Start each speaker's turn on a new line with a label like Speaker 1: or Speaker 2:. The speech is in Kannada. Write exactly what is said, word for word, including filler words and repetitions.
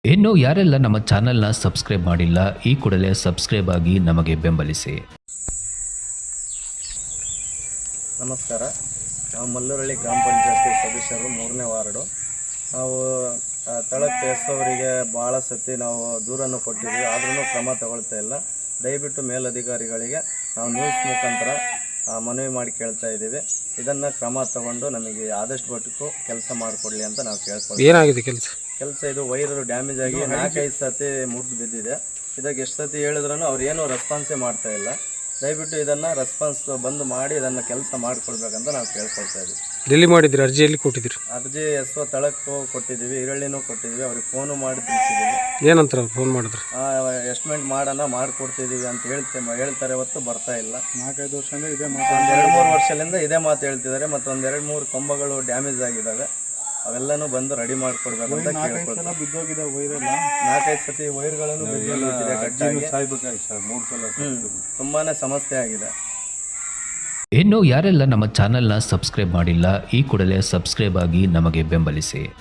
Speaker 1: ಇನ್ನು ಯಾರೆಲ್ಲ ನಮ್ಮ ಚಾನೆಲ್ನ ಸಬ್ಸ್ಕ್ರೈಬ್ ಮಾಡಿಲ್ಲ ಈ ಕೂಡಲೇ ಸಬ್ಸ್ಕ್ರೈಬ್ ಆಗಿ ನಮಗೆ ಬೆಂಬಲಿಸಿ.
Speaker 2: ನಮಸ್ಕಾರ. ನಾವು ಮಲ್ಲೂರಳ್ಳಿ ಗ್ರಾಮ ಪಂಚಾಯತಿ ಸದಸ್ಯರು ಮೂರನೇ ವಾರ್ಡು. ನಾವು ತಳಕ್ಕೆ ಎಸೋವರಿಗೆ ಭಾಳ ಸತಿ ನಾವು ದೂರನ್ನು ಕೊಟ್ಟಿದ್ದೀವಿ, ಆದ್ರೂ ಕ್ರಮ ತಗೊಳ್ತಾ ಇಲ್ಲ. ದಯವಿಟ್ಟು ಮೇಲಧಿಕಾರಿಗಳಿಗೆ ನಾವು ನ್ಯೂಸ್ ಮುಖಾಂತರ ಮನವಿ ಮಾಡಿ ಕೇಳ್ತಾ ಇದ್ದೀವಿ. ಇದನ್ನು ಕ್ರಮ ತಗೊಂಡು ನಮಗೆ ಆದಷ್ಟು ಮಟ್ಟಕ್ಕೂ ಕೆಲಸ ಮಾಡಿಕೊಡ್ಲಿ ಅಂತ ನಾವು ಕೇಳ್ಕೊಳ್ತೀವಿ.
Speaker 3: ಏನಾಗಿದೆ ಕೆಲಸ
Speaker 2: ಕೆಲಸ ಇದು ವೈರ್ ಡ್ಯಾಮೇಜ್ ಆಗಿ ನಾಲ್ಕೈದು ಸತಿ ಮುರಿದು ಬಿದ್ದಿದೆ. ಇದಕ್ಕೆ ಎಷ್ಟು ಸತಿ ಹೇಳಿದ್ರೂ ಅವ್ರು ಏನೂ ರೆಸ್ಪಾನ್ಸೇ ಮಾಡ್ತಾ ಇಲ್ಲ. ದಯವಿಟ್ಟು ಇದನ್ನು ರೆಸ್ಪಾನ್ಸ್ ಬಂದು ಮಾಡಿ ಇದನ್ನು ಕೆಲಸ ಮಾಡಿಕೊಡ್ಬೇಕಂತ ನಾವು ಕೇಳ್ಕೊಳ್ತಾ ಇದ್ದೀವಿ.
Speaker 3: ಎಲ್ಲಿ ಮಾಡಿದ್ರಿ? ಅರ್ಜಿ ಎಲ್ಲಿ ಕೊಟ್ಟಿದ್ದೀರಿ?
Speaker 2: ಅರ್ಜಿ ಎಸ್ ಒ ತಳಕ್ಕೂ ಕೊಟ್ಟಿದ್ದೀವಿ, ಈರಳ್ಳಿನೂ ಕೊಟ್ಟಿದ್ದೀವಿ. ಅವ್ರಿಗೆ ಫೋನು ಮಾಡಿ ತಿಳಿಸಿದ್ದೀವಿ.
Speaker 3: ಏನಂತಾರೆ ಅವ್ರು ಫೋನ್ ಮಾಡಿದ್ರು?
Speaker 2: ಎಸ್ಟಿಮೇಟ್ ಮಾಡೋಣ ಮಾಡಿಕೊಡ್ತಿದ್ದೀವಿ ಅಂತ ಹೇಳ್ತೇವೆ ಹೇಳ್ತಾರೆ, ಹೊತ್ತು ಬರ್ತಾ ಇಲ್ಲ. ನಾಲ್ಕೈದು ವರ್ಷದಿಂದ ಇದೇ ಮಾತು, ಒಂದು ಎರಡು ಮೂರು ವರ್ಷದಿಂದ ಇದೇ ಮಾತು ಹೇಳ್ತಿದ್ದಾರೆ. ಮತ್ತು ಒಂದು ಎರಡು ಮೂರು ಕಂಬಗಳು ಡ್ಯಾಮೇಜ್ ಆಗಿದ್ದಾವೆ, ಅವೆಲ್ಲನೂ ಬಂದು ರೆಡಿ ಮಾಡಿಕೊಡ್ಬೇಕು ಅಂತ ಕೇಳ್ಕೊಳ್ತೀವಿ. ಬಿದ್ದೋಗಿದೆ ವೈರೆಲ್ಲ, ನಾಲ್ಕೈದು ಸತಿ ವೈರ್ಗಳನ್ನು ಬಿದ್ದೋಗಿದೆ ಗಟ್ಟಾಗಿ. ತುಂಬಾ ಸಮಸ್ಯೆ ಆಗಿದೆ.
Speaker 1: ಇನ್ನು ಯಾರೆಲ್ಲ ನಮ್ಮ ಚಾನೆಲ್ನ ಸಬ್ಸ್ಕ್ರೈಬ್ ಮಾಡಿಲ್ಲ ಈ ಕೂಡಲೇ ಸಬ್ಸ್ಕ್ರೈಬ್ ಆಗಿ ನಮಗೆ ಬೆಂಬಲಿಸಿ.